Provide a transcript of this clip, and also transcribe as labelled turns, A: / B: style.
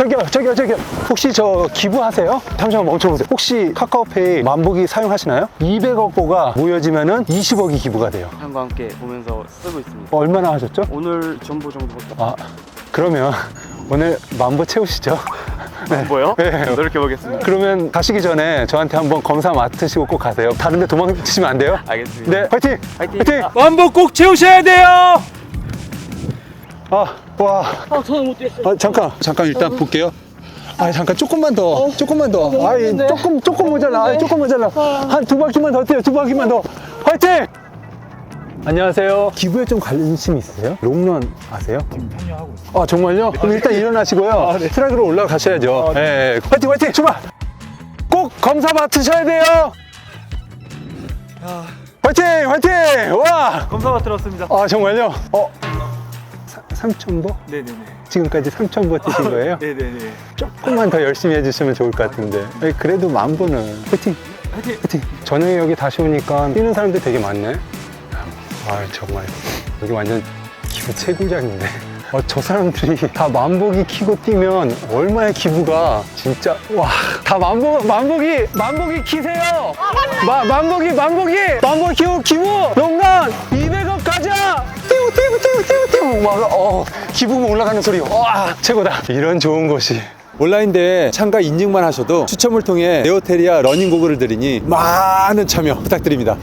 A: 저기요. 혹시 저 기부하세요? 잠시만 멈춰보세요. 혹시 카카오페이 만보기 사용하시나요? 200억보가 모여지면은 20억이 기부가 돼요.
B: 형과 함께 보면서 쓰고 있습니다.
A: 얼마나 하셨죠?
B: 오늘 전부 정도밖에
A: 아, 그러면 오늘 만보 채우시죠?
B: 뭐요?
A: 네.
B: 노력해보겠습니다.
A: 그러면 가시기 전에 저한테 한번 검사 맡으시고 꼭 가세요. 다른 데 도망치시면 안 돼요?
B: 알겠습니다.
A: 네, 화이팅!
B: 화이팅!
C: 만보 꼭 채우셔야 돼요.
A: 와.
B: 저는 못 뛰었어요.
A: 잠깐 일단 볼게요. 잠깐 조금만 더. 조금 모자라. 한 두 바퀴만 더 뛰어요. 두 바퀴만 더. 화이팅! 안녕하세요. 기부에 좀 관심 있으세요? 롱런 아세요?
C: 지금 참여하고 있어요.
A: 아, 정말요? 그럼 일단 일어나시고요. 트랙으로 올라가셔야죠. 네. 화이팅! 출발! 꼭 검사 맡으셔야 돼요. 화이팅! 와!
C: 검사가 들었습니다.
A: 아, 정말요? 3,000보?
C: 네네네.
A: 지금까지 3,000보 뛰신 거예요?
C: 네네네.
A: 조금만 더 열심히 해주시면 좋을 것 같은데. 그래도 10,000보는 화이팅!
C: 화이팅!
A: 저녁에 여기 다시 오니까 뛰는 사람들 되게 많네. 정말 여기 완전 기부 최고장인데. 저 사람들이 다 만보기 키고 뛰면 얼마의 기부가 진짜. 와, 다 만보기 키세요. 만보기 키고 기부 롱런 200억 가자. 띠우 막 기부금 올라가는 소리. 와, 최고다. 이런 좋은 곳이 온라인 대회 참가 인증만 하셔도 추첨을 통해 네오테리아 러닝 고글을 드리니 많은 참여 부탁드립니다.